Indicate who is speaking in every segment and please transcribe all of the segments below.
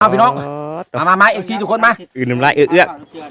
Speaker 1: พี่น้องมาเอฟซีทุกคนมา
Speaker 2: อื่นน้ำลายเอื้อ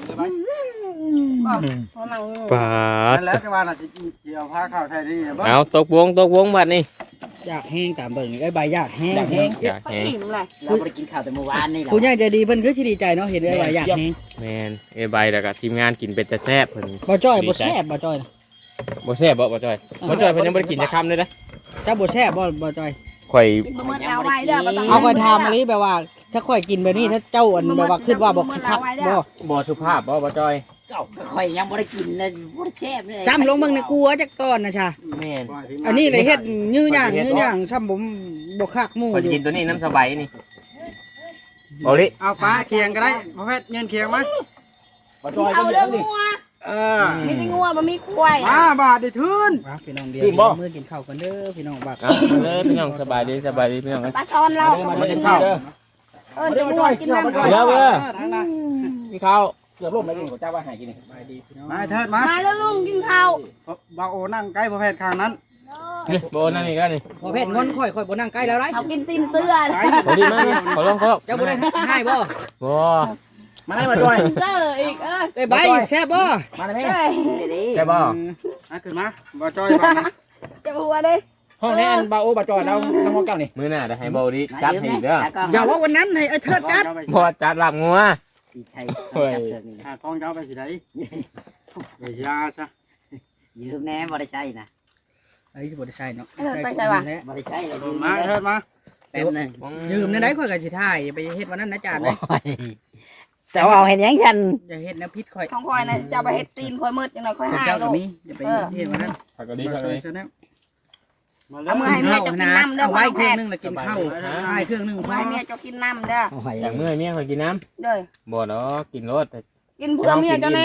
Speaker 2: ปาด
Speaker 3: แล้วจะว่าน่ะสิเกี่ยวผ้าขาวไทยนี่บ่
Speaker 2: เอาตกวงบัดนี้
Speaker 3: อยากแห้งตามเบิ่งไอ้ใบอยากแห้ง
Speaker 2: อยากแห้ง
Speaker 4: เราบ่ได้กินข้าวแต่เมื่อวานนี่เรา
Speaker 3: ผู้ใหญ่ใจดีเพิ่นคือสิดีใจเนาะเห็นไอ้ใบอยากแห้ง
Speaker 2: แม่นใบแล้วก็ทีมงานกินเป็นแต่แซ่บเพิ่น
Speaker 3: บ่จ้อยบ่แซ่บบ่จ้อย
Speaker 2: บ่แซ่บบ่จ้อยเพิ่นยังบ่ได้กินจักคำเลยนะ
Speaker 3: เจ้าบ่แซ่บบ่จ้อย
Speaker 2: ข่อย
Speaker 3: เอาก็ถามอันนี้แบบว่าถ้าข่อยกินแบบนี้ถ้าเจ้าอันแบบว่าคิดว่าบ่คัก
Speaker 2: บ่สุภาพบ่จ้อย
Speaker 4: เจ้าข่อยยังบ่ได้กินเลยบ่ได้แซ่บเลย
Speaker 3: จำลงเบิ่งในกลัวจักตอนนะชา
Speaker 2: แม่น
Speaker 3: อันนี้เลยเฮ็ดยื้อย่างซ้ำผมบ่คักหมู่
Speaker 2: ข่อยกินตัวนี้น้ำสบายนี่บ่ลิ
Speaker 3: เอาฟ้าเคียงก็ได้พ่อแพทย์เงินเคียงมา
Speaker 1: บ่จ้อยก็เยอะนี่
Speaker 5: มีแต่งัวบ่มีควาย
Speaker 3: มาบาดได้ทื่นพี่น้องเดียวมื้อกินข้าวกันเด้อพี่น้องบัก
Speaker 2: เลยพี่น้องสบายดีพี่น้อง
Speaker 5: ปลาซอนเรา
Speaker 2: มากินข้าว
Speaker 5: แต่งัวกินน้ำ
Speaker 2: เดี๋ยวมีข้าว
Speaker 1: เกือบล่มแล้วนี่ผมจ้าว่าหายกินนี่
Speaker 3: มาเถิดมา
Speaker 5: แล้วลุงกินข้าว
Speaker 3: บ่าวโอนั่งใกล้พ่อแพทย์ข้างนั้น
Speaker 2: โบนั่นนี่ก็นี่
Speaker 3: พ่อเพชรงอนค่อยบ่นั่งใกล้แล้วไร
Speaker 5: เขากินตีนเสื้อ
Speaker 2: พอดีมากขอลอง
Speaker 3: เจ้าบ่ได้ให้บ่
Speaker 1: มาได้มาจ้อย
Speaker 5: เสื้ออีก
Speaker 3: ไอ้ใบแซ่บบ่
Speaker 1: มาได้ไหม
Speaker 2: แซ่บบ่
Speaker 3: ขึ้นมาบ่จ้อยบ่
Speaker 5: จะบัวดิ
Speaker 1: ห้องนี้อันบาโอบ่จ้อยเราน้องห้องเก่านี่
Speaker 2: มื้อหน้าจะให้เบาดีจัดให้อีกเด้อ
Speaker 3: อย่าว่าวันนั้นให้เถิดจัด
Speaker 2: บ่จัดลาบงัว
Speaker 4: สิใช่
Speaker 3: กองเจ้าไปสิได้ไปยาซะ
Speaker 4: ยืมแน่บ่ได้ใช่นะ
Speaker 3: ไอ้ที่บ่ได้ใช้เนาะ
Speaker 5: ไปใช่ป่ะ
Speaker 4: บ่ได้ใช่เลย
Speaker 3: มาเถิดมา
Speaker 4: แป๊บนึง
Speaker 3: ยืมในไหนค่อยก็สิถ่ายไปเฮ็ดวันนั้นนะจานเลย
Speaker 4: แต่ว่าเอาเห็นยังฉัน
Speaker 3: อย่าเฮ็ดนะพิษค่อย
Speaker 5: ของค่อยน่ะจะไปเฮ็ดตีนค่อยมืดจังได๋ค่อยหาย
Speaker 3: เจ้าก็มีอย่าไปเฮ็ดวันนั้น
Speaker 2: ผักก็ดีผักเลย
Speaker 5: เอามื้อให้เมียจะกินน้ำเด้อ
Speaker 3: เอาไว้เครื่องนึงแล้วกินข้าวให้เครื่องนึงพอ
Speaker 5: ให้เมียจะกินน้ำเด้อ
Speaker 2: อย่างมื้อเมียค่อยกินน้ำ
Speaker 5: เด้อ
Speaker 2: บ่ดอกกินรส
Speaker 5: กินเพื่อเมียเจ้าแน่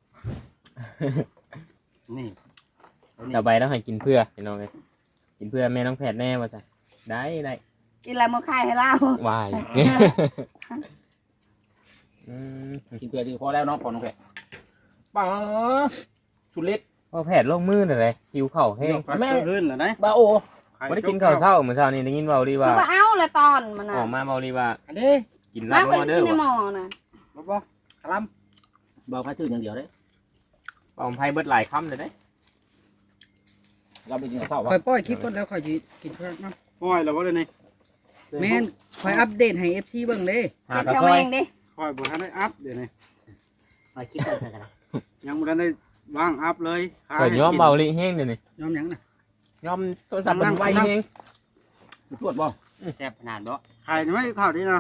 Speaker 3: นี่
Speaker 2: ต่อไปต้องให้กินเพื่อพี่น้องเอ้ยกินเพื่อแม่น้องแพทย์แน่ว่าจ้ะได้
Speaker 5: กินอะไรมื้อค่ายให้เรา
Speaker 2: วาย
Speaker 1: กินเกลือดีพอแล้วเนาะพอน้องแพทย์ปังสุดเล็ด
Speaker 2: พอแพทย์ลงมือเลยหิวข้าวแห้ง
Speaker 3: แม่ขึ้นเหรอนะ
Speaker 1: บาโอ
Speaker 2: บ่ได้กินข้าวเช้ามื้อเช้านี่ได้ยินเว้าดีว่า
Speaker 5: คือว่าเอาละตอนมันน่ะ
Speaker 2: ออกมาเว้าดีว่า
Speaker 3: อันนี้
Speaker 2: กินลาบงัวเด้อ
Speaker 5: ในหม้อน่ะ
Speaker 3: บ่คลำ
Speaker 1: เบาพายถืออย่างเดียวเด้
Speaker 2: ปอมไผเบิดหลายคำเลยเด้
Speaker 1: เราไปกินข้าววะ
Speaker 3: ค่อยปล่อยคลิปก่อนแล้วค่อยสิกินเพิ่มนะปล่อยแล้วบ่ได้นี่แม่นค่อยอัปเดตให้ FC เบิ่งเด้
Speaker 5: เก็บเท่าเองดิ
Speaker 3: ค่อยบ่ทันได้อัปเดี๋ยวนี้
Speaker 4: มาคิดกันกัน
Speaker 3: ยังบ่ทันได้วางอัพเลย
Speaker 2: ข่อยยอมเบาลิแห้งเดี๋ยวนี้
Speaker 3: ยอมหยังน่ะ
Speaker 2: ยอมโทรศัพท์มันไวแห้ง
Speaker 1: ตรวจบ่
Speaker 4: แซ่บขนาดบ่
Speaker 3: ใครไม่ข้าวดีนะ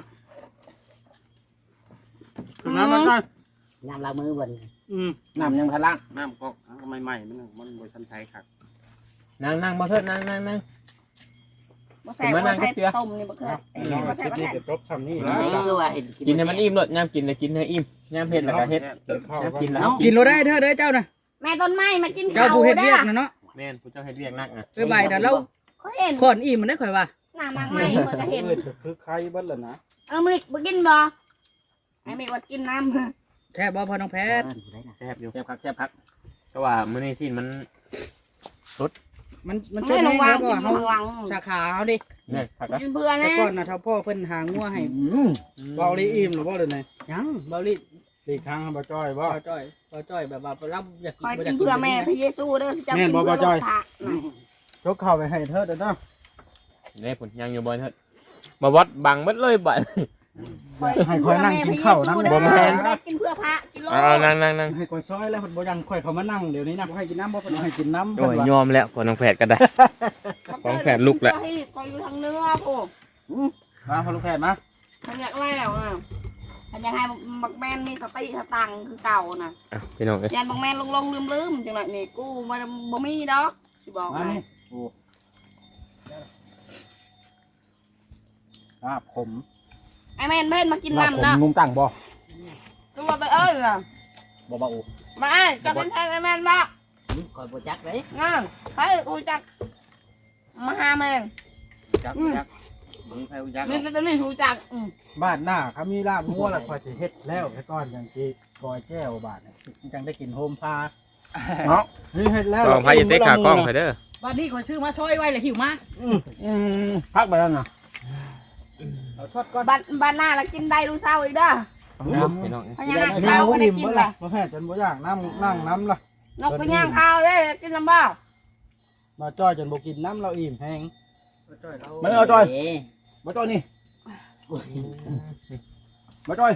Speaker 3: คือน้ำมันได้
Speaker 4: น้ำล้างมือบน
Speaker 1: น้ำยังทันล่าง
Speaker 3: น้ำก็ใหม่ๆมันบ่ทันไทยครับ
Speaker 2: นั่งบ่เถิดนั่ง
Speaker 5: บ่แซ่บบ่ใส่ต้มนี่บ่เคยบ่แซ่บบ่แซ่บ
Speaker 3: จบซ้ำนี่
Speaker 4: คือว่าเห็น
Speaker 2: กินให้มันอิ่มรสยามกินเลยกินให้อิ่มยามเผ็ดแล้วก็เฮ็ดกินแล้ว
Speaker 3: กินเราได้เธอเด้อเจ้าน่ะ
Speaker 5: แม่ต้นไม้มากินข้าว
Speaker 3: เจ้าผู้เฮ็ดเวียกน่ะเนาะ
Speaker 2: แม่นผู้เจ้าเฮ็ดเวียกนักน่ะ
Speaker 3: ใบน่ะเราคนอิ่มมันได้ข่อยว่า
Speaker 5: หน้ามากใหม่เพิ่นก็เห็น
Speaker 3: คือใครเบิดล่ะนะ
Speaker 5: เอามื้อบ่กินบ่ให้แม่ว่ากินน้ำ
Speaker 3: แท้บ่พอน้องแพทย์
Speaker 2: แซ่บอยู่แซ่บคักเพราะว่ามื้อนี้สิ้นมันสด
Speaker 3: มันจะได้แล้วบ่เฮาสาขาเฮาดิ
Speaker 2: นี่คัก
Speaker 5: กินเพื่อนะ
Speaker 3: แต่ก่อนน่ะเฒ่าพ่อเพิ่นหางัวให้เบาลีอิ่มหรือบ่เด้อนี่ยังเบาลีอีกครั้งบ่จ้อยบ่จ้อยแบบว่ารับอยาก
Speaker 5: กินเพื่อแม่พระเยซูเด้อจะกินเพื่อ
Speaker 3: จ้อยยกเข้าไปให้เถิดเด้อเนาะ
Speaker 2: นี่พุ่นยังอยู่บ่เถิดมาวัดบังหมดเลยบัด
Speaker 3: ให้ค่อยนั่งกินข้าวนั่ง
Speaker 5: บ่แม่นกินเพื่อพระกินโล
Speaker 2: นั่ง
Speaker 3: ให้ค่อยซอยแล้วเพิ่นบ่ยังค่อยเข้ามานั่งเดี๋ยวนี้นะบ่ให้กินน้ำบ่เพิ่นให้กินน้ำ
Speaker 2: โอ้ยยอมแล้วคนน้องแผดก็ได้ของแผดลุกแล้ว
Speaker 5: คอยอยู่ทางเนื้อปู่
Speaker 3: มาพอลูกแพทย์มา
Speaker 5: มันอยากแล้วอ่ะมันอยากให้บักแมนมีสติสตังคือเก่าน่ะ
Speaker 2: พี่น้องเอ้ย
Speaker 5: ยันบักแมนลงลืมจังหวะนี่กูมันบ่มีดอกสิบอกให้
Speaker 3: โอ้ผม
Speaker 5: ไอแมนเพิ่นมากินน้ำนะ
Speaker 1: นุ่มตั้งบ่
Speaker 5: ตัวไปล่ะ
Speaker 1: บ่บ่อู
Speaker 5: มาจับเป็นแทนไอแมนบ่
Speaker 4: คอยบ่จักเลย
Speaker 5: งั้นไปอูจักมาหาแมน
Speaker 3: จักมึงไปอูจัก
Speaker 5: นี่ตัวนี้อูจัก
Speaker 3: บ้านหน้าเขามีลาบงัวแล้วคอยสิเฮ็ดแล้วแค่ก้อนจังสิกอยแก้วบาดนี่จังได้กินโฮมพาเนาะนี่เฮ็ดแล้ว
Speaker 2: กองพายเตะขากล้องไปเด้อ
Speaker 3: บ้านนี้ขอชื่อมาช่วยไว้เลยหิวมา
Speaker 1: พักไปแล้วนะ
Speaker 3: เอาช็อตก่อน
Speaker 5: บ้านหน้าแล้วกินได้ดูเศร้าอีกเด้อ
Speaker 2: เอาพี่น้อง
Speaker 5: พญานาคเศร้าก็ได้กินเลย
Speaker 3: บ่แพ้จนบ่อยากนั่งน้ำล่ะ
Speaker 5: นกก็ย่างข้าวเลยกินลำบ้า
Speaker 3: มาจ้อยจนบ่กินน้ำเราอิ่มแห้ง
Speaker 1: ไม่เอาจอยมาจอยนี่มาจอย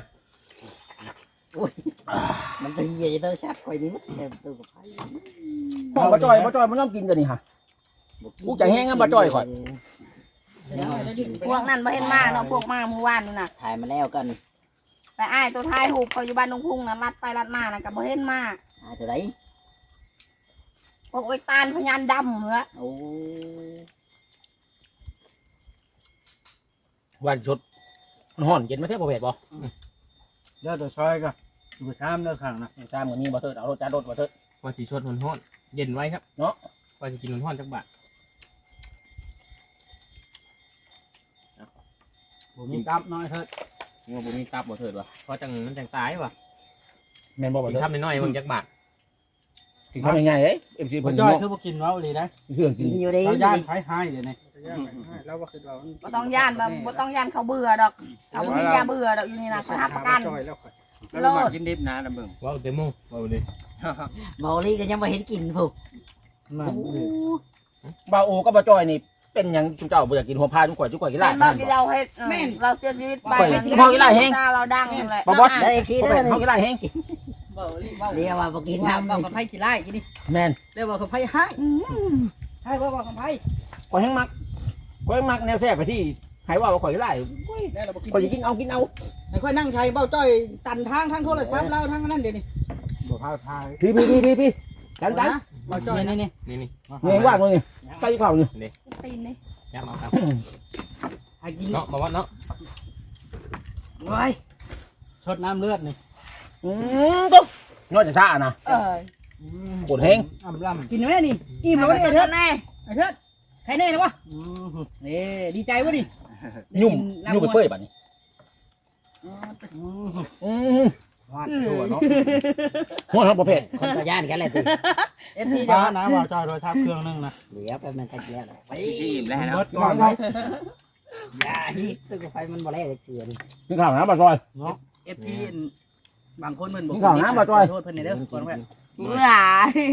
Speaker 4: มันจะเหี้ยเตอร์ชัดคอยนี้แค่ตู้กับไผ่
Speaker 1: ห้องมาจอยมันต้องกินกันนี่ฮะ กูจะแห้งงั้นบ่จ้อยข่อย
Speaker 5: พวกนั้นบ่เห็นมาเนาะพวกมาเมื่อวานนู่นน่ะ
Speaker 4: ถ่ายมาแล้วกัน
Speaker 5: แต่อ้ายตัวท้ายหูเขาอยู่บ้านดงพุ่งน่ะลัดไปลัดมาน่ะก็บ่เห็นมา
Speaker 4: ตัวไหน
Speaker 5: พวกไอ้ตาลพญานดำเหรอ
Speaker 4: โอ้
Speaker 1: วันชดมันห่อนเย็นมาเท่าบ่เผ็ดบ่
Speaker 3: เด้อตัวซอยก็อยู่ชามเด้อข้างนะ
Speaker 1: ตามเหมือนมีบ่เถิดเอารถจัดรถบ่เถิด
Speaker 2: ว่าสิชดฮ้อนๆเย็นไว้ครับเนาะว่าสิกินฮ้อนๆจักบาท
Speaker 3: บ่มีตับน้อยเถิด
Speaker 2: งัวบ่มีตับบ่เถิดว่ะเพราะจังมันจังตายว่ะ
Speaker 1: แม่นบ่บ่
Speaker 2: กิน
Speaker 1: เถิด
Speaker 2: ทำน้อยๆเบิ่งจักบาท
Speaker 1: กินข้าวง่ายๆเอ้ย MC
Speaker 3: บ่
Speaker 1: เพิ่น
Speaker 3: จ้อย
Speaker 1: เนาะ
Speaker 3: คือบ่กินเว้าเลยนะ
Speaker 1: เครื่องกิ
Speaker 4: กิ
Speaker 1: น
Speaker 4: นอยู่ดี
Speaker 3: เราย่านไผหายเดี๋ยวนี้เราบ่คิดว่า
Speaker 5: บ่ต้องย่านบ่ต้องย่านเขาเบื่อดอกเขาบ่มียาเบื่อดอกอยู่นี่น่ะเขารับประกัน
Speaker 3: แล้วมากินดิบนะลำเบิ่ง
Speaker 2: ว้าวเต็มหมู่ว้าวเลย
Speaker 4: เมาลี่ก็ยังไม่เห็นกินผูก
Speaker 3: นั่นดิ
Speaker 1: บ่าวโอกับบ่จอยนี่เป็นหยังจุเจ้าบ่อยากกินหัวพาจุก่อยกินลา
Speaker 5: แม่
Speaker 1: บ
Speaker 5: นบ่ที่เราเฮ็ดแม่นเราเสียชีวิตไป
Speaker 1: ข่อยกินข้าวอีหลายแฮง
Speaker 5: เราดังแหละ
Speaker 1: บ่บอส
Speaker 4: ได้ที
Speaker 1: บ่
Speaker 4: ได้
Speaker 1: เป็น
Speaker 4: เลย
Speaker 1: เฮากินได้แฮง
Speaker 4: เรียกว่าบอกิน
Speaker 6: ว่า
Speaker 4: น้ำ
Speaker 6: บอกกับไผ่ขี้ไล่กินดิ
Speaker 1: แม่น
Speaker 6: เรียกว่ากับไผ่ให้ให้ว่าบอกกับไผ่
Speaker 1: ข่อยแฮงมักแนวแซ่บไปที่ให้ว่าข่อยหลาย
Speaker 6: ได้เราบอกกิน
Speaker 1: ข่อยสิกินเอา
Speaker 6: ไอ้ค่อยนั่งใช้เบ้าจ้อยตันทางทั้งโทรศัพท์เล่าทั้งนั้นเดี๋ยวนี้
Speaker 3: บ่พาทาย
Speaker 1: พี่กัน
Speaker 6: เบ้าจ้อยนะ
Speaker 3: นี่
Speaker 2: นี่
Speaker 1: นี่ว่างเลยนี่ใกล้ข้าวนี่
Speaker 5: ตีนนี่
Speaker 2: ยับเอาครับ
Speaker 6: ให้กิน
Speaker 2: เนาะมาวัดเนาะ
Speaker 6: ไว้
Speaker 3: ชดน้ำเลือดนี่
Speaker 1: ตุ๊บนอกจากซ่านะ ปวดแห้ง
Speaker 3: อ่ำล่ำ
Speaker 6: กินไหมนี่อิ่มแล้ว
Speaker 5: ไอ้
Speaker 6: ไอ้
Speaker 5: เถิ
Speaker 6: เถิ
Speaker 5: ด
Speaker 6: ด
Speaker 5: แน่
Speaker 6: ไอ้เถิดใครแน่นะวะนี่ดีใจวะดิ
Speaker 1: ยุ่มไปเปื่อยบัดนี้หัวครับประเภท
Speaker 4: คนก็ย่านกันแหละติ
Speaker 6: เอฟซี
Speaker 3: จ้า
Speaker 6: จะ
Speaker 3: นะว่าจอยโดยทับเครื่องนึงนะ
Speaker 4: เดี๋ยวไปมันกันแล้วไป
Speaker 3: รถก่อนเนาะ
Speaker 4: อย่าฮิตตู้กับไฟมันบ่แลกเกลือ
Speaker 1: นี่ข่าวนะบ่จอย
Speaker 3: เนาะ
Speaker 6: เอฟซีบางคนเพิ่นบอก
Speaker 1: นี่ข่าวนะบ่จ้อย
Speaker 6: โทษเพิ่นในเด้อก่อนแม่
Speaker 5: หลาย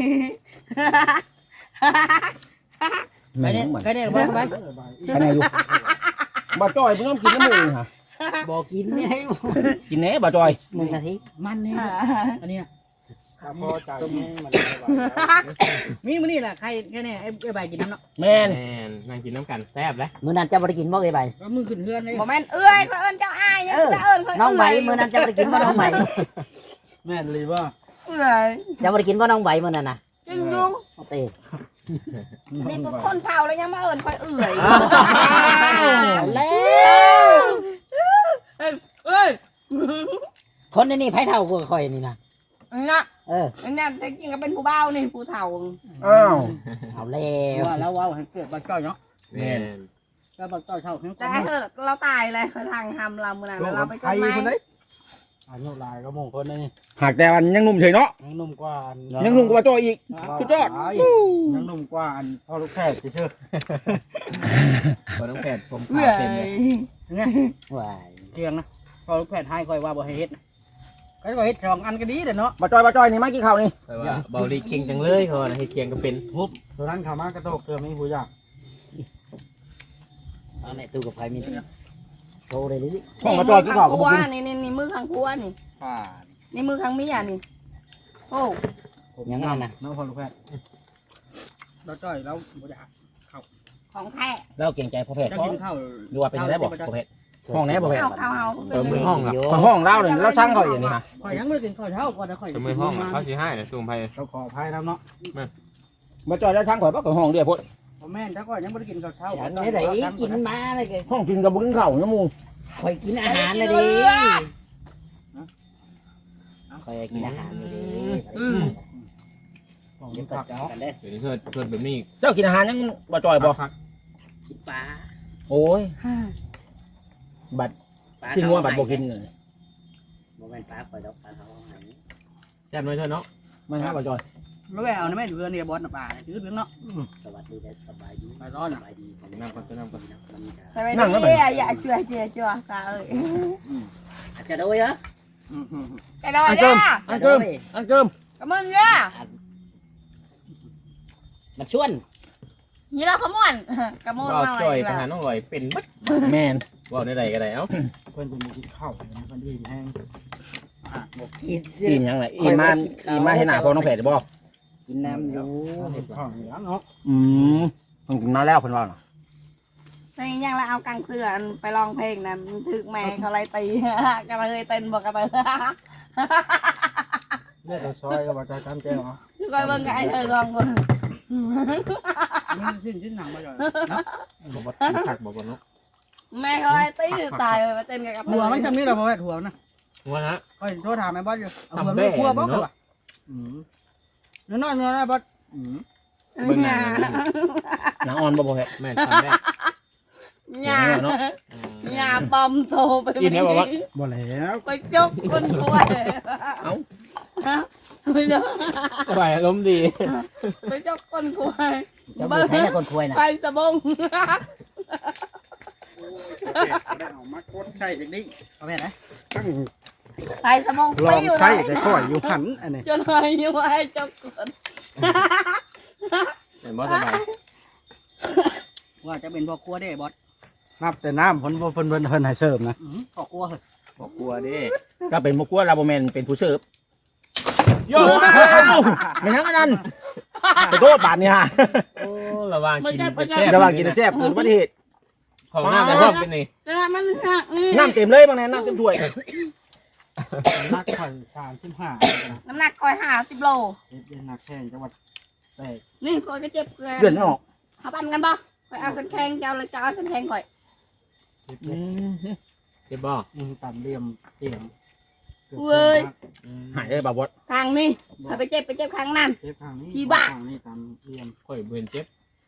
Speaker 6: ใครแน่ใครแน่บอกกับไผ่
Speaker 1: คะแนนอยู่บ่จอยเพิ่งต้องกินน้ำมือฮะ
Speaker 4: บอกกินนี่ให้
Speaker 1: กินแหน่บ่จอย
Speaker 4: 1 นาที
Speaker 6: มันนี่อันนี้
Speaker 3: ถ้าพอใจนี่มัน
Speaker 6: มีมื้อนี่แหละใครแน่ไอ้ใบกินน้ำเนาะ
Speaker 1: แม่น
Speaker 2: แม่นนั่งกินน้ำกันแซ่บเลย
Speaker 4: มื้อนั้นจะบ่ได้กินบ่ไอ้ใบ
Speaker 6: ก็มึงขึ้นเฮือนเลย
Speaker 5: บ่แม่นเอื้อยเขาเอิ้นเจ้าอ้ายเนี่ยจะเอิ้นเขา
Speaker 4: น้องใบ
Speaker 5: เอื้อย
Speaker 4: มื้อนั้นจะบ่ได้กินบ่น้องใบ
Speaker 3: แม่นเลยว่า
Speaker 5: เอื้อย
Speaker 4: จะบ่ได้กินบ่น้องใบมื้อนั้นน่ะ
Speaker 5: จริงจุง
Speaker 4: โอเค
Speaker 5: นี่ก็คนเฒ่าแล้วยังมาเอิ้นค่อยเอื้อย
Speaker 4: แล้ว
Speaker 5: เอ้ย
Speaker 4: คนนี่ไผเฒ่ากว่าข่อยนี่นะ
Speaker 5: น่ะ
Speaker 4: เออ
Speaker 5: อันนั้นแต่จริงก็เป็นผู้เฒ่านี่ผู้เฒ่า
Speaker 1: อ้าว
Speaker 4: เอาแล้ว
Speaker 6: ว่าแล้วว่าให้เกิดบักจ้อยเนาะ
Speaker 2: แม่น
Speaker 6: ก็บักจ้อยเท่าทั้ง
Speaker 5: แต่เถอะเราตายเลยทางทำเราเมื่อนั้นเราไป
Speaker 3: ใคร
Speaker 5: กันไหม
Speaker 3: คนไหนอายุหลายก็มงคนนี่
Speaker 1: หากแต่วันยังหนุ่มเฉยเนาะ
Speaker 3: ยังหนุ่มกว่า
Speaker 1: ยังหนุ่มกว่าบ่จอยอีก สุดยอด
Speaker 3: ยังหนุ่มกว่าอันพ่อลูกแพทย์เชื่อ
Speaker 2: บ่ต้องแผดผม
Speaker 5: เอื้
Speaker 2: ขา
Speaker 5: อ
Speaker 2: เต็มเลย
Speaker 5: ย
Speaker 4: ว้าย
Speaker 6: เที่ยงนะพอลูกแพทย์ให้ค่อยว่าบ่ให้เฮ็ดก็บ่เฮ็ด2อันก็ดีเด้อเนาะ
Speaker 1: บ่จอยนี่มากินข้าวนี่
Speaker 2: แต่ว่าเบาลีเก่งจังเลยเขาว่าให้เคียงก็เป็น
Speaker 3: ตัวนั้นขามากระโตกเกลือไม่หูยาก
Speaker 4: เอาในตู้กับไฟมีโชว์เลยดิ
Speaker 1: ห้องบ่จอยกินข้าวก็บ่กิน
Speaker 5: นี่มือข้างครัวนี่นี่มือข้างเมียนี่โอ้
Speaker 4: ยังงั้นน่ะ
Speaker 3: น้องพ่อลูกแพทย์
Speaker 6: เราจ้อยเราบ่อยาก
Speaker 5: ของแท้
Speaker 1: แล้วเก่งใจประเภท
Speaker 6: จะกินข้าว
Speaker 1: ดูว่าเป็นได้บ่ประเภทห้องไหนประเภท
Speaker 5: เอา
Speaker 2: มือห้องอ่ะ
Speaker 1: ห้องเราเนี่ยเราช่างเขาอย่างนี้ฮะ
Speaker 6: ข่อยยังไม่ได้กินข้าวเช้าก่อนนะข่อย
Speaker 2: มือห้องอ่ะเขาสิให้นะซูมไป
Speaker 3: เราขออภัยนะเนาะ
Speaker 1: บ่จอยแล้วช่างข่อยบ่ก็ห้องเดียวพุ่น
Speaker 6: พ่อแม่นถ้าก็ยังไม่ได้กินข้าวเช้า
Speaker 4: ฉันไม่ได้กินมาเลยแก
Speaker 1: ห้องกินกับบ่กินข้าวนะมู
Speaker 4: คอยกินอาหารเลยดิคอยกินอาหารเลยดิ
Speaker 3: ของ
Speaker 4: เดี๋ยว
Speaker 3: ผั
Speaker 4: ก็
Speaker 3: ก
Speaker 4: จอกันเด้อ
Speaker 2: เดี๋ยวนี้เกิดแบบนี้
Speaker 1: เจ้ากินอาหารยังบ่จอยบ่
Speaker 4: กินปลา
Speaker 1: โอ้ยบัดกินงัวบัดบ่กินเลย
Speaker 4: บ่แม่นปลาคอยดอกปลาเขาให้
Speaker 2: แซ่บน้อยเท่าเนาะ
Speaker 1: มันฮะบ่จอย
Speaker 6: แล้วแม่เอาในแม่เรือเนี่ยบอสน่ะป่าถือเรื่องเนาะ
Speaker 4: สวัสดีและสบายดี
Speaker 6: ไปร้อน
Speaker 4: ส
Speaker 6: อ่ะ
Speaker 4: บายดีกัน
Speaker 2: น้ำก่อนน้ำก่อน
Speaker 4: มันจะ
Speaker 5: สวัสดีอย่าจั่วตาเอ้ย
Speaker 4: อาจจะโดยเหรอ
Speaker 5: ไปดอยเนี่ย
Speaker 1: อันเกิมอันเกิม
Speaker 5: กับมึงเนี่ย
Speaker 4: มันชวน
Speaker 5: นี่เราขมวนกับมึง
Speaker 2: ว่า
Speaker 5: หน่อ
Speaker 2: จ่อย
Speaker 5: ย
Speaker 2: ไปหาน้องลอยเป็นบัด
Speaker 1: แมน
Speaker 2: ว่าในใดก็ได้เอ้า
Speaker 3: เพิ่นจะมีกินข้าวนะเพิ่นอิ่มแห้ง
Speaker 4: กิน
Speaker 1: อิ่มยังไงอิ่มมาเห็นหน้าพอน้องแผดบ่
Speaker 4: กินน้ำอยู่
Speaker 3: เห็ดข้าวเหนียวเนาะ
Speaker 1: เพิ่งกินมาแล้วเพิ่นว่าน่ะ
Speaker 5: ในยังเราเอากางเสือไปร้องเพลงนั้นถึกแม่เขาไล่ตีกันเลยเต้นบอกกันเลย
Speaker 3: เลือดซอยก็บ่ใจตามแจ้งเนาะ
Speaker 5: คอยเบิ่งไอ้เธอลองคน
Speaker 6: มันชิ้นหนังมาจ่อยเนาะ
Speaker 2: บอกว่าขักบอกว่าเนาะ
Speaker 5: แม่เขาไล่ตีตายเลยมาเต้นกันกับ
Speaker 6: หัวมันทำนี่เราพอแม่หัวนะ
Speaker 2: ว่าฮะ
Speaker 6: ก็โทรถามแม่บอสอยู่เอาหัวไม่กลัวบอสเหรอ
Speaker 3: อืม
Speaker 6: เนื้อนอนเนื้อนะบอส
Speaker 3: อืม
Speaker 2: เบิ่งหน้า
Speaker 1: หนังอ่อนบ่แผด
Speaker 2: แม่ทำได้
Speaker 5: หญ้าปอมโตไป
Speaker 3: บ่แล้ว
Speaker 5: ไปจกคนป่วย ไปจก
Speaker 2: สบายอารมณ์ดี
Speaker 5: ไปจกคนป่วย
Speaker 4: เจ้าบ่ใช้แต่คนคุยน่ะ
Speaker 5: ไปสะบง
Speaker 3: เอามากดใส่จังนี้
Speaker 6: เอาแม่นะ
Speaker 3: ตั้ง
Speaker 5: ไปสะบง
Speaker 3: ล
Speaker 5: ไป
Speaker 3: อง
Speaker 5: อยู่
Speaker 3: ใส่แต่ข่อยอยู่หันอันนี้
Speaker 5: จนหายอยู่ไอ้จกคน
Speaker 2: เห็นบ่สบาย
Speaker 6: ว่าจะเป็นพ่อครัวได้บอส
Speaker 3: นับแต่น้ำเพิ่นให้เสิร์ฟนะ
Speaker 6: พ่อครัวเหรอ
Speaker 2: บอกกลัวดิ
Speaker 1: ก็เป็นบ่กลัวเราบ่แม่นเป็นผู้เสิร์ฟโยไม่ทั้งนั้นขอโทษบาดนี่ฮะ
Speaker 2: โอ้ระวังกินแซ่บ
Speaker 1: ระหว่างกินแซ่บเกิดอุบัติเหตุ
Speaker 2: ของน้ำกระรอกเป็นนี่
Speaker 5: จะมันหัก
Speaker 1: น้ำเต็มเลยบางแน่น้ำเต็มถ้วย
Speaker 3: นักข่อย35
Speaker 5: น้ำหนักคอย50 โล
Speaker 3: เฮ็ดเป็นนักแข่งจังหวัดแตก
Speaker 5: นี่คอยก็เจ็บเกลือ
Speaker 1: เดือนไม่ออก
Speaker 5: เขาปั่นกันปะไปเอาสันแทงเจ้าเลยจะเอาสันแทงก่อย
Speaker 3: เฮ็ด
Speaker 2: เจ็บบ่
Speaker 3: ต่ำเหลี่ยมเตียง
Speaker 1: หายได้บ่าวด
Speaker 5: ทางนี้ถ้าไปเจ็บข้างนั้น
Speaker 3: เจ็บข้างนี้
Speaker 5: พี่บ้า
Speaker 3: ข้างนี้ต่ำเหลี่ยม
Speaker 2: ค่อยเบิ่นเจ็บ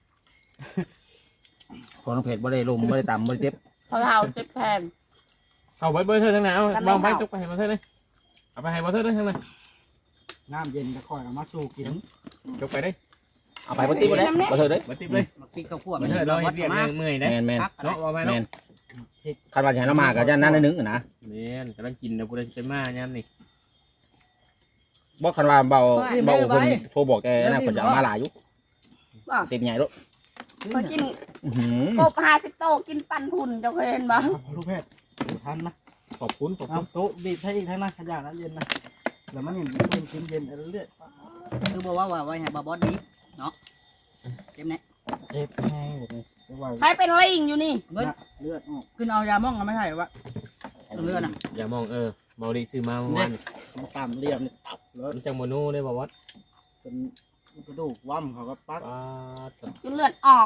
Speaker 1: พอน้องเพชรบ่ได้ลมบ่ได้ต่ำบ่ได้เจ็บ
Speaker 5: เพราะเราเจ็บแทน
Speaker 2: เอาไว้เบอร์เธอทางไหนเอาวางไว้จกไปให้มาเธอเลยเอาไปให้มาเธอได้ทางไหน
Speaker 3: น้ำเย็นก็ค่อยเอามาสู่กิน
Speaker 2: จกไปได้
Speaker 1: เอาไปบ่ติบ่ได้บ่เธอเด้อ
Speaker 2: มาติบเลย
Speaker 6: มากินข้าวคั่ว
Speaker 2: มาเธอเราเฮ็ดเรียกเมื่อยได้
Speaker 1: แม่น
Speaker 2: เนาะว่าไป
Speaker 1: แม่
Speaker 2: เนาะ
Speaker 1: นคันว่าจะให้เรามาก็จะนั่นนึงนะ
Speaker 2: แม่นกำลังกินนะพูดได้จะมายามนี่
Speaker 1: บ่คันว่าเบาเพิ่นโทรบอกแกนะเพิ่นจะเอามาหลายอยู่เต็มใหญ่โลด
Speaker 5: พอกิน
Speaker 1: อื้อหือก
Speaker 5: บ50 โตกินปั่นหุ่นเจ้าเคยเห็นปะ
Speaker 3: ลูกเพชรทันนะ
Speaker 2: ขอบคุณ
Speaker 3: เอาโต๊ะบีบให้อีกทั้งนั้นขยะนั้นเย็นนะแล้วมันเห็นคนกินเย็นเรื่อย
Speaker 6: คือบอกว่าไว้ให้บอสดีเนาะเจ็บแน่
Speaker 3: เจ็บแห้งแบบนี้เรียกว่า
Speaker 5: ใครเป็นลิงอยู่นี่
Speaker 6: เฮ้ย
Speaker 3: เลือดออก
Speaker 6: ขึ้นเอายาม่องกันไม่ใช่วะเลือดน่ะ
Speaker 2: อย่ามองเบาดีซื้อมาเมื่อวาน
Speaker 3: มันต่ำเหลี่ยมนี่ตับแล้ว
Speaker 2: มันจังโมโน่ได้บ่วัด
Speaker 3: เป็นกระดูกว่ำเขาก็ปัก
Speaker 2: ป้า
Speaker 5: จนเลือดออก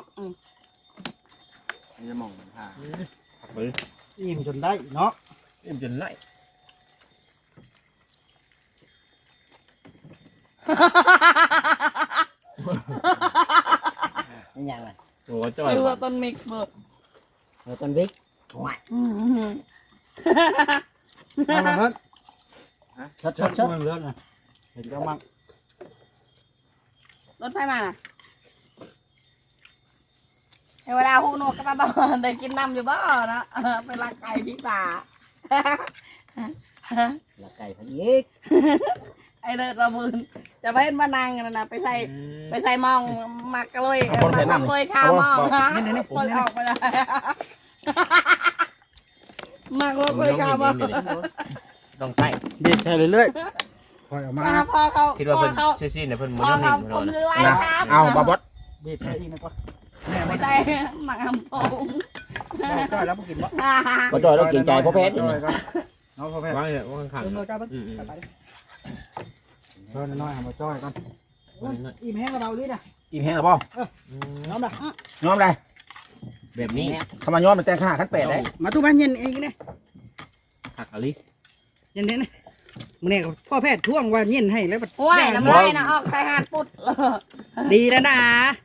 Speaker 3: จะมองผ่า
Speaker 2: ผักมือ
Speaker 3: อิ่มจนได้เนาะ
Speaker 2: เอ็มจนไล่
Speaker 4: นี่ยังไง
Speaker 2: โอ้จ่อย
Speaker 5: ไม่รู้ว่าต้นมิกเบิร์ด
Speaker 4: เออต้นวิกหวาย
Speaker 3: เอามาเพิ่น
Speaker 4: ชดชดชด
Speaker 3: เลือดนะเห็นก็มั่ง
Speaker 5: รถไฟมาเวลาหูหนวกก็ตาบอลได้กินน้ำอยู่บ่เนาะเป็นรักไก่พี่ป่า
Speaker 4: ละไก่พันอีก
Speaker 5: ไอเลิศระบืนจะไปเห็นมานางกันนะไปใส่มองมักกะเลยมักกะเลยข้าวมองฮะคนออกไปเลยมักกะเลยข้าวมอง
Speaker 2: ต้องใส่
Speaker 3: บีบแค่เรื่อยๆค่อยเอามา
Speaker 5: พอเขา
Speaker 2: คิดว่า
Speaker 5: พ
Speaker 2: เพิ่
Speaker 5: อน เขา
Speaker 2: ชื่อซีนเนี่ยเพิ่น
Speaker 5: พ
Speaker 2: บ่
Speaker 5: อ
Speaker 2: ต้อง
Speaker 5: เขา
Speaker 2: เห็น
Speaker 5: ผ
Speaker 2: เรา
Speaker 5: ม
Speaker 2: นะ
Speaker 5: คือไรครับ
Speaker 1: เอาบ่าวด
Speaker 3: บีบแค่อีกนะก็
Speaker 5: ไม่ใช่หมักหำโป่ง
Speaker 6: จ่อยแล้วกินวะ
Speaker 1: บ่จอยเราเกรงใจพ่อเพชร
Speaker 3: น้องพ่อเพชร
Speaker 2: วางเนี่ยว่างข้าง
Speaker 6: เออจ้าบ้าง
Speaker 3: ช่วยน้อยๆเอามาจ้อยก่อน
Speaker 6: อิ่มแห้งกับเราดินะ
Speaker 1: อิ่มแห้งแล้วบ่
Speaker 6: น้องด่ะ
Speaker 1: ยอมได้
Speaker 2: แบบนี้
Speaker 1: คำว่ายอมมันแต่งข้าขั้น8ได้
Speaker 6: มาตู้บ้านเย็นเองเนี่ย
Speaker 2: ผักอะไร
Speaker 6: เย็นเด่นนะมึงเนี่ยพ่อแพทย์ท่วงว่าเย็นให้แล้ว
Speaker 5: โอ้ยน้ำลายนะออกใส่หาดปุด
Speaker 6: ดีแล้วนะ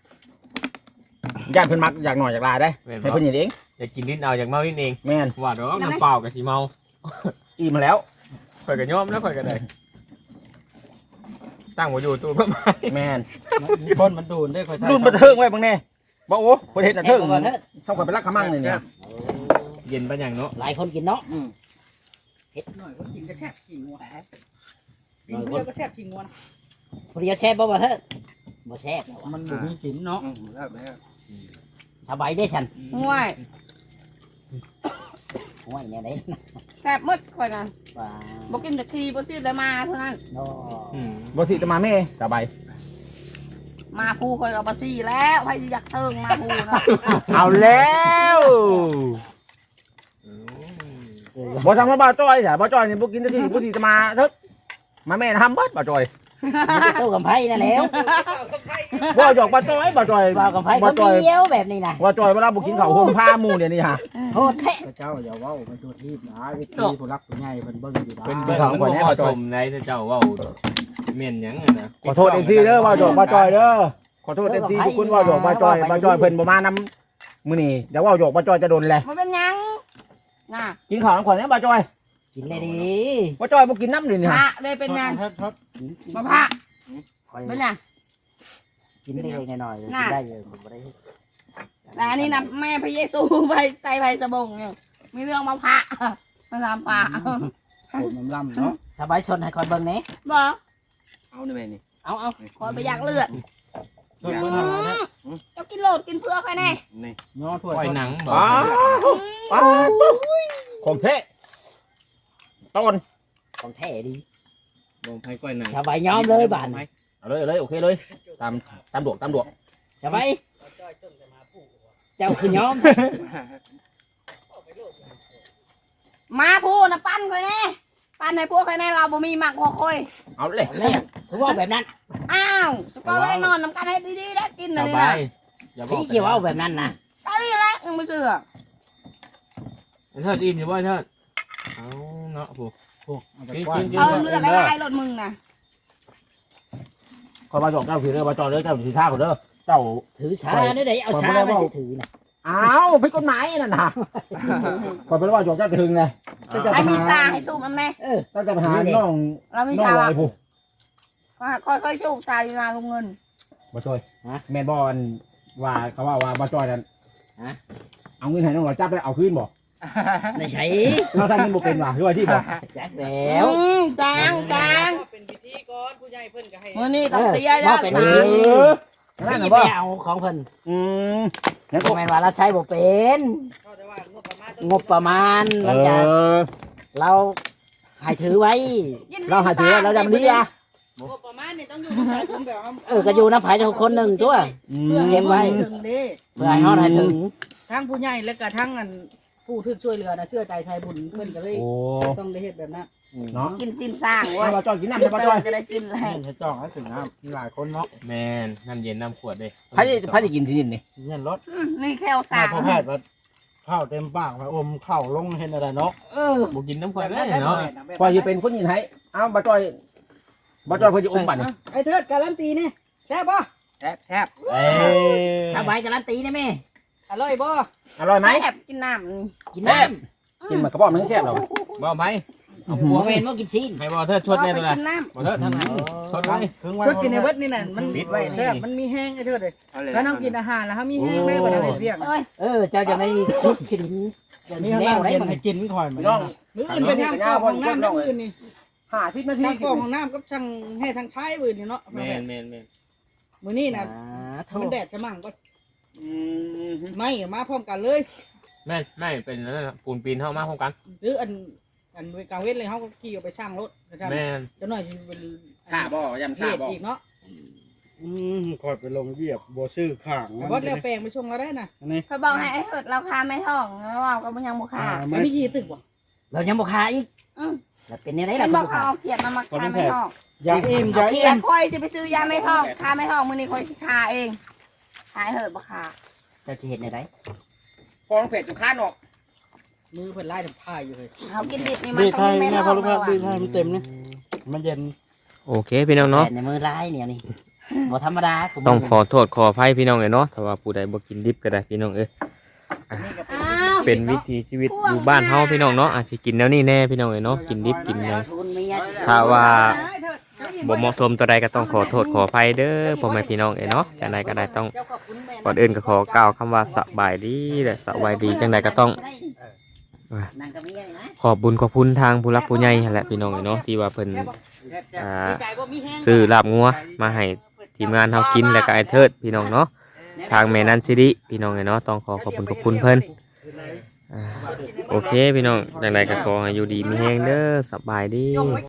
Speaker 1: ย่านเพิ่นมักอยากหน่อยอยากลาได้ให้เพิ่นเฮ็ดเอง
Speaker 2: อยากกินนิดเอาอยากเมานิดเอง
Speaker 1: แม่น
Speaker 2: ว่าดอกน้ำเปล่ากับสีเมา
Speaker 1: อิ่มมาแล้ว
Speaker 2: ข่อยก็ยอมแล้วข่อยก็ได้ตั้งบ่อยู่ตู้บ่ไม้
Speaker 1: แม่น
Speaker 3: คนมันดูนได้ค่อยใช่
Speaker 1: รุ่นบันเทิงไว้บางแน่บ่โอ้ประเทศบันเทิง
Speaker 4: บ่เถิด
Speaker 1: ต้องไปรักขมั่งเลยเนี่ย
Speaker 2: เย็นปานหยังเนาะ
Speaker 4: หลายคนกินเนาะ
Speaker 6: หน่อยก็กินกระแทกกินงัวกินเดียวกระแทกกินงัวนะ
Speaker 4: ผู้เดียวแซ่บบ่เถิดบ่แซ่บแล้วอะ
Speaker 3: มันบ่มีกินเนาะ
Speaker 4: สบายได้ฉัน
Speaker 5: ห่วย
Speaker 4: ห่วยเนี่ยได้
Speaker 5: แซ่บมืดค่อยกัน
Speaker 4: ว่า
Speaker 5: บ่กินแต่ทีบ่ซื้อแต่มาเท่านั้น
Speaker 4: เนาะ
Speaker 1: บ่สิจะมาแม่สบาย
Speaker 5: มาภูค่อยเอาบ่ซี่แล้วใครอยากเทิงมาภูนะ
Speaker 1: เอาแล้ว
Speaker 4: เออ
Speaker 1: บ่ทำมาบ่จ้อยจ้ะบ่จ้อยนี่บ่กินที่บ่สิจะมาเถอะมาแม่ทำเบิดบ่จ้อย
Speaker 4: ตู้กับไผ่นั่นแล้ว
Speaker 1: บ่หยอกบ่จ้อยบ่จ้อย
Speaker 4: ว่ากับไผ่ค
Speaker 1: บ่
Speaker 4: น
Speaker 1: จ้อย
Speaker 4: เดียวแบบนี้นะ
Speaker 1: บ่จ้อยเวลาบ่กินข้าวห่มผ้าหมู่เนี่ยนี่ฮะ
Speaker 4: โทษแท้
Speaker 3: พระเจ้าอย่าเว้าเป็นตัวทีบนะไอ้ที่ผู้รักผู้ใหญ่เพิ่นเบิ่งอยู่นะ
Speaker 2: เป็นเบิ่งมันบ่เหมาะสมในถ้าเจ้าเว้าแม่นหยังอะนะ
Speaker 1: ขอโทษ MC เด้อบ่หยอกบ่จ้อยเด้อขอโทษ MC ทุกคนบ่หยอกบ่จ้อยบ่จ้อยเพิ่นบ่มานำมื้อนี้เดี๋ยวว่าหยอกบ่จ้อยจะโดนแหละ
Speaker 5: มันเป็นหยังน่ะ
Speaker 1: กินข้าวนำข่อยแน่บ่จ้อย
Speaker 4: กินเลยดิ
Speaker 1: บ่จ้อยบ่กินน้ำนี่
Speaker 5: พ
Speaker 1: ฮะ
Speaker 5: ระได้เป็นหยัง
Speaker 3: ทด
Speaker 4: กินกิน
Speaker 5: มาพระ
Speaker 4: คอย
Speaker 5: เป็นหยัง
Speaker 4: กินได้หน่อยๆ
Speaker 5: น่ะ
Speaker 4: กินได้เยอะผมบ่ได้
Speaker 5: แต่อันนี้นะแม่พระเยซูไปใส่ไฟสบงเนี่ยมีเรื่องมาพระมาทำพระ
Speaker 3: ผมน้ำล่ำเนาะ
Speaker 4: สบายชนให้คอยเบิ่งแหน่
Speaker 5: บอก
Speaker 6: เอาได้ไหมนี่
Speaker 4: เอา
Speaker 5: คอยไปอยากเลือด
Speaker 3: ชดเบิ่งอะไรนะ
Speaker 5: เจ้ากินโหลดกินเพื่อใครแน่
Speaker 6: นี่
Speaker 3: ย้อถ้วย
Speaker 2: ปล่อยหนังบ่
Speaker 1: อ้าวอ้าวของแท้ต้น
Speaker 4: ของแท้ดี
Speaker 2: บ่ไผก้อยหนัง
Speaker 4: สบายยอมเลยบาน
Speaker 1: เอาเลยโอเคเลยตามดวก
Speaker 4: สบายเจ้าคือยอม
Speaker 5: มาพูดนะปั้นคอยแน่ปั้นให้พวกใครแน่เราบ่มีหมักหัวคอย
Speaker 1: เอาเลย
Speaker 4: เนี่ยคือว่าแบบนั้น
Speaker 5: อ้าวสกอร์ไม่ได้นอนน้ำกันให้ดีๆได้กิน
Speaker 2: ส
Speaker 5: อะไร
Speaker 2: บา
Speaker 5: นะ
Speaker 2: ยอย่าบอก
Speaker 4: พี่เกี่ยวเอาแบบนั้นนะ
Speaker 5: ตอนนี้แหละยังไม่เชื่อ
Speaker 2: เทิดอิ่มอยู่บ่เทิดเอาเนาะผู้
Speaker 3: โอ้มันจะ
Speaker 2: กิน
Speaker 3: กว้าง
Speaker 2: กิน
Speaker 5: เออเลือดไม่ได้รถมึงนะ
Speaker 1: ขอมาบอกเจ้าคือเด้อมาจอเด้อเจ้าสีท่าก่อนเด้อเจ้า
Speaker 4: ถือชาเนี่ยได้เอาชามาถือนะ
Speaker 1: อ้าวผิดกฎหมายนั่นน่ะขอเป็นว่าจอกเจ้าจะถึงไงเจ้าจะ
Speaker 5: ให้มี
Speaker 1: หา
Speaker 5: ซาให้สูบน้ำแน่
Speaker 1: เจ้าจะหาน้อง
Speaker 5: เรามี
Speaker 1: น้อง
Speaker 5: ชา
Speaker 1: ลอยผู้
Speaker 5: ค่อยๆสูบซาอยู่นาลุงเงิน
Speaker 1: มาช่วยแม่นบอลว่าเขาว่ามาจอยนั่นเอาเงินให้น้องลอยจับแล้วเอาคืนบ่
Speaker 4: ในใช้
Speaker 1: เราทำเงินบ่เป็นว่ะคือว่าที่บ่
Speaker 4: แจ็คแล้ว
Speaker 5: สร้าง
Speaker 6: เป็นพิธีก่อนผู้ใหญ่เพิ่นก็ให้
Speaker 5: มื่อนี้ต้องเสียได้
Speaker 1: เออนั่น
Speaker 4: พี่
Speaker 1: น่ะ
Speaker 4: ไป
Speaker 1: บ่
Speaker 4: เอาของเพิ่น
Speaker 1: แล้ว
Speaker 4: โม
Speaker 1: ก็
Speaker 4: แมนว่าเราใช้บ่เป็น
Speaker 6: เขาจะว่างบประมาณ
Speaker 4: งบประมาณมันจะเราให้ถือไว้
Speaker 1: เราหาถือเราจะมันดีอ่ะ
Speaker 6: งบประมาณนี่ต้องอยู่ในการคุมแบบ
Speaker 4: ก็อยู่น้ำไผ่ทุกคนหนึ่งตัว
Speaker 5: เพื่อ
Speaker 4: เก็บไว้
Speaker 6: ถึงเด้
Speaker 4: เพื่อให้เฮาได้ถึง
Speaker 6: ทั้งผู้ใหญ่และก็ทั้งอันผู้ที่ช่วยเหลือนะเชื่อใจไทยบุญเพิ่นก็เลย
Speaker 1: โอ้
Speaker 6: ต้องได้เฮ็ดแบบนั้น
Speaker 1: เนาะ
Speaker 5: กินสิ้นสร้างเว้ย
Speaker 1: มาจอยกินน้ำ
Speaker 5: กิน
Speaker 1: มา
Speaker 5: เส
Speaker 1: จ
Speaker 5: ร็
Speaker 1: อย
Speaker 5: จจะได้กินแล้ว
Speaker 3: ให้จ้องให้ถึงน้ำมีหลายคนเนาะ
Speaker 2: แม่นน้ำเย็นน้ำขวดเด้
Speaker 1: ใครจะกินที่นี่นี่
Speaker 3: เงินรถ
Speaker 5: นี่แค่สร้าง
Speaker 3: พอแพทย์ว่าข้าวเต็มปากไปอมข้าวลงเห็นอะไรเนาะ
Speaker 2: บ่กินน้ำขวดเลยเนาะ
Speaker 1: พอจะเป็นคนยินให้เอามาจอยเพื่อจะอมบัตร
Speaker 6: ไอ้เทิดการันตีนี่แซ่บบ่
Speaker 3: แซ่บ
Speaker 4: สบายการันตีได้ไหม
Speaker 6: อร่อยบ่
Speaker 1: อร่อยไหม
Speaker 5: แซ่บกินน้
Speaker 4: กินน้
Speaker 1: กินมากระบอกมันแซ่บหรอ
Speaker 2: บ่ไหม
Speaker 4: ำหัวเวนว่ากินชิ้น
Speaker 2: ให้บ่เทิด
Speaker 5: ำ
Speaker 2: ชดแน่ตัว
Speaker 5: ไป
Speaker 2: น่ะ
Speaker 5: กินน้
Speaker 2: บ่เทิดทางไหนชดไว้
Speaker 6: ชุดกินในเบิดนี่น่ะมัน
Speaker 2: ปิดไว้นี่
Speaker 6: แซ่บมันมีแห้งไอ้เทิดเลยถ้าน้องกินอาหารแล้วเฮามีแห้งได้บ่ได้เฮ็ดเวียก
Speaker 5: ำเอ้ย
Speaker 4: เจ้าจะไม่คุกขินจะ
Speaker 3: มี
Speaker 4: มี
Speaker 3: ข้าว
Speaker 4: แนวได้
Speaker 3: เย็น
Speaker 4: มั้ง
Speaker 3: ให้กินคอยมัน
Speaker 1: น้อง
Speaker 6: มื้ออื่นเป็นทางกรองของน้ำทั้งอื่นนี่
Speaker 1: 50 นาที
Speaker 6: ทางกรองของน้ำกับทางให้ทางใช้อื่นนี่เนาะ
Speaker 2: แม่นแม่นแม่น
Speaker 6: มื้อนี้น่ะ
Speaker 4: โท
Speaker 6: มัน
Speaker 4: ษ
Speaker 6: แดดจะมั่งก็ไม่มาพร้อมกันเลย
Speaker 2: แม่นไม่เป็นนั่นน่ะปูนปีนเข้ามาพร้อมกัน
Speaker 6: หรืออันกลางเว้นเลยเขาก็ขี่ออกไปสร้างรถนะครับ
Speaker 2: แม่น
Speaker 6: จะหน่อยจะเป็น
Speaker 1: ชาบ่ยำ
Speaker 6: เห
Speaker 1: ชา
Speaker 6: ตุ
Speaker 1: บ่
Speaker 6: อีกเนาะ
Speaker 3: คอยไปลงเหยียบบัวซื้อข้าง
Speaker 6: วัดแล้วแปลงไปชงเราได้นะ
Speaker 3: นี่
Speaker 5: เคยบอกให้ไอ้เหิดเราคาไม่ท้องแล้วเราก็ยังบุคา
Speaker 6: ไม่มีขี่ตึกว่ะ
Speaker 4: เรายังบ่คาอีกแล้วเป็นยังไง
Speaker 5: ไอ้
Speaker 4: ล่ะ
Speaker 5: บอกเขาเอาเขียดมาคาไม่ท้อง
Speaker 3: ยาเอ็มยา
Speaker 5: เขี
Speaker 3: เอ็
Speaker 5: ยด
Speaker 3: ม
Speaker 5: ค่อยจะไปซื้อยาไม่ท้องคาไม่ท้องมือนี้ค่อยคาเองขายเหิดบ่คา
Speaker 4: จะเห็นอะไร
Speaker 1: ฟองเผ็ดจุข้านออก
Speaker 6: มือเพิ่นไล่ทำท่าอยู่เลย
Speaker 5: เขากินดิบนี่มัน
Speaker 3: ดี
Speaker 5: ต้
Speaker 3: ไท
Speaker 5: อง
Speaker 3: ย
Speaker 5: มีไม่
Speaker 3: เนี่ย
Speaker 5: ท้
Speaker 3: พ
Speaker 5: อ
Speaker 3: อง ลูกค้าดีไทยมันเต็มนี่มันเย็น
Speaker 2: โอเคพี่น้องเนาะ
Speaker 4: แต่ในมือร้ายเนี่ยนี่บ่ธรรมดา
Speaker 2: ต้องขอโทษขออภัยพี่น้องเอ้ยเนาะถ้าว่าผู้ใดบ่กินดิบก็ได้พี่น้องเอ้ย
Speaker 5: อ้าว
Speaker 2: เป็นวิถีชีวิตอยู่บ้านเฮาพี่น้องเนาะอาจสิกินแนวนี้แน่พี่น้องเอ้ยเนาะกินดิบกินหยัง
Speaker 4: ทุนไม่ยาก
Speaker 2: ถ้าว่า
Speaker 6: เถิด
Speaker 2: บ่เหมาะสมตัวใดก็ต้องขอโทษขออภัยเด้อพ่อแม่พี่น้องเนาะจังใดก็ได้ต้องก่อนอื่นก็ขอกล่าวคำว่าสบายดีและสวัสดีจังใดก็ต้องขอบบุญขอบคุณทางผู้รักผู้ใหญ่นั่นแหละพี่น้องเนาะที่ว่าเพิ่นซื้อลาบงัวมาให้ทีมงานเฮากินแล้วก็ไอ้เทิดพี่น้องเนาะทางแม่นันสิริพี่น้องเนาะต้องขอขอบคุณขอบคุณเพิ่นโอเคพี่น้องจังใดก็ขอให้อยู่ดีมีแฮงเด้อสบายดี